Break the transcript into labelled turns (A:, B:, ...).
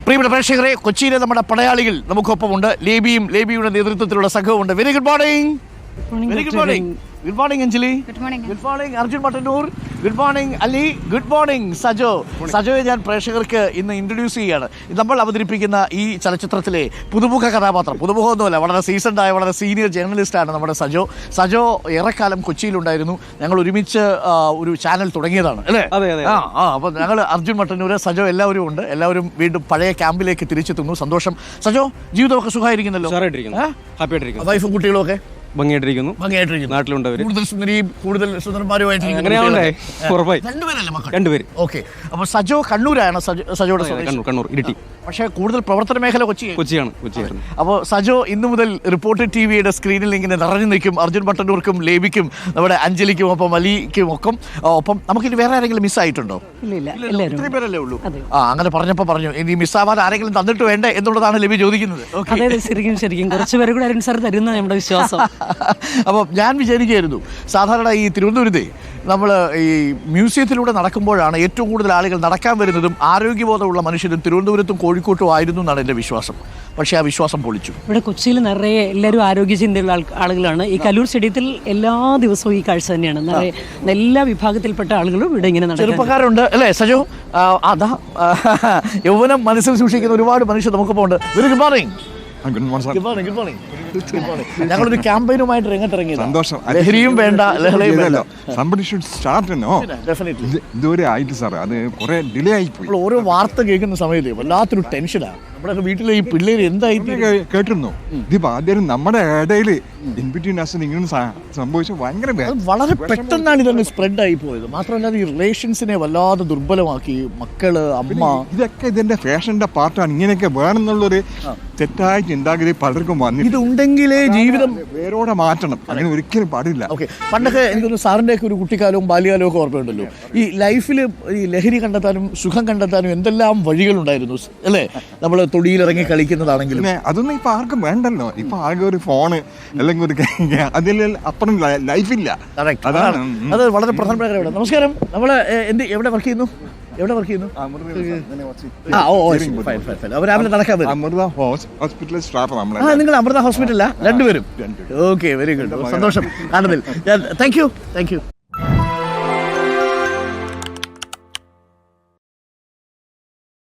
A: പ്രിയപ്പെട്ട പ്രേക്ഷകരെ, കൊച്ചിയിലെ നമ്മുടെ പടയാളികൾ നമുക്കൊപ്പമുണ്ട്. ലേബിയുടെ നേതൃത്വത്തിലുള്ള സംഘമുണ്ട്. Very good morning. Very good morning. Good morning Anjali. Good morning Arjun Mattannur. Good morning Ali. Good morning സജോയെ ഞാൻ പ്രേക്ഷകർക്ക് ഇന്ന് ഇൻട്രൊഡ്യൂസ് ചെയ്യുകയാണ്. നമ്മൾ അവതരിപ്പിക്കുന്ന ഈ ചലച്ചിത്രത്തിലെ പുതുമുഖ കഥാപാത്രം, പുതുമുഖമൊന്നുമല്ല, വളരെ സീസൺഡായ വളരെ സീനിയർ ജേർണലിസ്റ്റാണ് നമ്മുടെ സജോ. ഏറെക്കാലം കൊച്ചിയിലുണ്ടായിരുന്നു. ഞങ്ങൾ ഒരുമിച്ച് ഒരു ചാനൽ തുടങ്ങിയതാണ് അല്ലേ? അപ്പോൾ ഞങ്ങൾ അർജുൻ മട്ടന്നൂർ, സജോ എല്ലാവരും ഉണ്ട്. എല്ലാവരും വീണ്ടും പഴയ ക്യാമ്പിലേക്ക് തിരിച്ചെത്തുന്നു. സന്തോഷം. സജോ, ജീവിതമൊക്കെ സുഖമായിരിക്കുന്നല്ലോ? വൈഫും കുട്ടികളും ഒക്കെ
B: ഭംഗിയായിട്ടിരിക്കുന്നു. നാട്ടിലുണ്ട്.
A: കൂടുതൽ സുന്ദരിയും കൂടുതൽ സുന്ദരന്മാരുമായിട്ട്
B: രണ്ടുപേര്.
A: ഓക്കെ. അപ്പോൾ സജോ കണ്ണൂരാണ്. സജോയുടെ
B: കണ്ണൂർ ഇരിട്ടി.
A: പക്ഷേ കൂടുതൽ പ്രവർത്തന മേഖല കൊച്ചിയാണ്. അപ്പോൾ സജോ ഇന്നു മുതൽ റിപ്പോർട്ടർ ടിവിയുടെ സ്ക്രീനിൽ ഇങ്ങനെ നിറഞ്ഞു നിൽക്കും. അർജുൻ മട്ടന്നൂർക്കും ലേബിക്കും നമ്മുടെ അഞ്ജലിക്കും ഒപ്പം അലിക്കും ഒപ്പം നമുക്കിനി വേറെ ആരെങ്കിലും മിസ്സായിട്ടുണ്ടോ? ഇത്രയും പേരല്ലേ ഉള്ളൂ. അങ്ങനെ പറഞ്ഞപ്പോൾ പറഞ്ഞു ഇനി മിസ്സാവാൻ ആരെങ്കിലും തന്നിട്ട് വേണ്ടേ എന്നുള്ളതാണ് ലേബി ചോദിക്കുന്നത്.
C: ശരിക്കും കുറച്ചുപേരെ കൂടെ അരുൺ സാർ തരുന്ന നമ്മുടെ വിശ്വാസം.
A: അപ്പോൾ ഞാൻ വിചാരിക്കുകയായിരുന്നു, സാധാരണ ഈ തിരുവനന്തപുരത്തെ നമ്മൾ ഈ മ്യൂസിയത്തിലൂടെ നടക്കുമ്പോഴാണ് ഏറ്റവും കൂടുതൽ ആളുകൾ നടക്കാൻ വരുന്നതും ആരോഗ്യബോധമുള്ള മനുഷ്യരും തിരുവനന്തപുരത്തും കോഴിക്കോട്ടും ആയിരുന്നു എന്നാണ് എൻ്റെ വിശ്വാസം. പക്ഷേ ആ വിശ്വാസം പൊളിച്ചു.
C: ഇവിടെ കൊച്ചിയിൽ നിറയെ എല്ലാവരും ആരോഗ്യചിന്തയുള്ള ആളുകളാണ്. ഈ കലൂർ സ്റ്റേഡിയത്തിൽ എല്ലാ ദിവസവും ഈ കാഴ്ച തന്നെയാണ്. നിറയെ എല്ലാ വിഭാഗത്തിൽപ്പെട്ട ആളുകളും ഇവിടെ ഇങ്ങനെ
A: ചെറുപ്പക്കാരുണ്ട് അല്ലേ സജോ? അതാ യൗവനം മനസ്സിൽ സൂക്ഷിക്കുന്ന ഒരുപാട് മനുഷ്യർ നമുക്കിപ്പോൾ ഉണ്ട്. Very good morning. ഞങ്ങളൊരു ക്യാമ്പയിനുമായിട്ട് രംഗത്തിറങ്ങിയത്.
D: സന്തോഷം.
A: ലഹരിയും വേണ്ട, ലഹളയും വേണ്ട.
D: ഇതുവരെ ആയിട്ട് സാർ, അത് കുറെ ഡിലേ ആയിപ്പോയി.
A: ഓരോ വാർത്ത കേൾക്കുന്ന സമയത്ത് വല്ലാത്തൊരു ടെൻഷനാണ്. നമ്മുടെ വീട്ടിലെ ഈ പിള്ളേര് എന്തായിട്ട്
D: കേട്ടിരുന്നു. ഇതിപ്പോ ആദ്യം നമ്മുടെ ഇടയിൽ ഇങ്ങനെ സംഭവിച്ചു. ഭയങ്കര
A: വളരെ പെട്ടെന്നാണ് ഇതൊന്ന് സ്പ്രെഡ് ആയി പോയത്. മാത്രമല്ല ഈ റിലേഷൻസിനെ വല്ലാതെ ദുർബലമാക്കി. മക്കള്, അമ്മ,
D: ഇതൊക്കെ ഇതിന്റെ ഫാഷന്റെ പാർട്ടാണ്. ഇങ്ങനെയൊക്കെ വേണമെന്നുള്ളൊരു തെറ്റായ ചിന്താഗതി പലർക്കും വന്നു.
A: ഇതുണ്ടെങ്കിലേ ജീവിതം
D: വേരോടെ മാറ്റണം. അങ്ങനെ ഒരിക്കലും പാടില്ല.
A: ഓക്കെ. പണ്ടൊക്കെ എനിക്കൊന്ന് സാറിൻ്റെ ഒക്കെ ഒരു കുട്ടിക്കാലവും ബാല്യകാലവും ഒക്കെ ഓർമ്മയുണ്ടല്ലോ. ഈ ലൈഫിൽ ഈ ലഹരി കണ്ടെത്താനും സുഖം കണ്ടെത്താനും എന്തെല്ലാം വഴികളുണ്ടായിരുന്നു അല്ലേ? നമ്മൾ തൊടിയിലിറങ്ങി കളിക്കുന്നതാണെങ്കിലും
D: അതൊന്നും ഇപ്പൊ ആർക്കും വേണ്ടല്ലോ. ഇപ്പൊ ആകെ ഒരു ഫോണ് അല്ലെങ്കിൽ ഒരു അതിൽ അപ്പുറം ലൈഫില്ല.
A: അതാണ് അത് വളരെ പ്രധാനപ്പെട്ട കാര്യമാണ്. നമസ്കാരം. നമ്മൾ എവിടെ വർക്ക് ചെയ്യുന്നു? രാവിലെ നടക്കാൻ വരും.
D: അമൃത ഹോസ്പിറ്റലിൽ സ്റ്റാഫ്.
A: നിങ്ങൾ അമൃത ഹോസ്പിറ്റലിലാ രണ്ടുപേരും? Okay, very good. സന്തോഷം കാണുന്നില്ല. Thank U.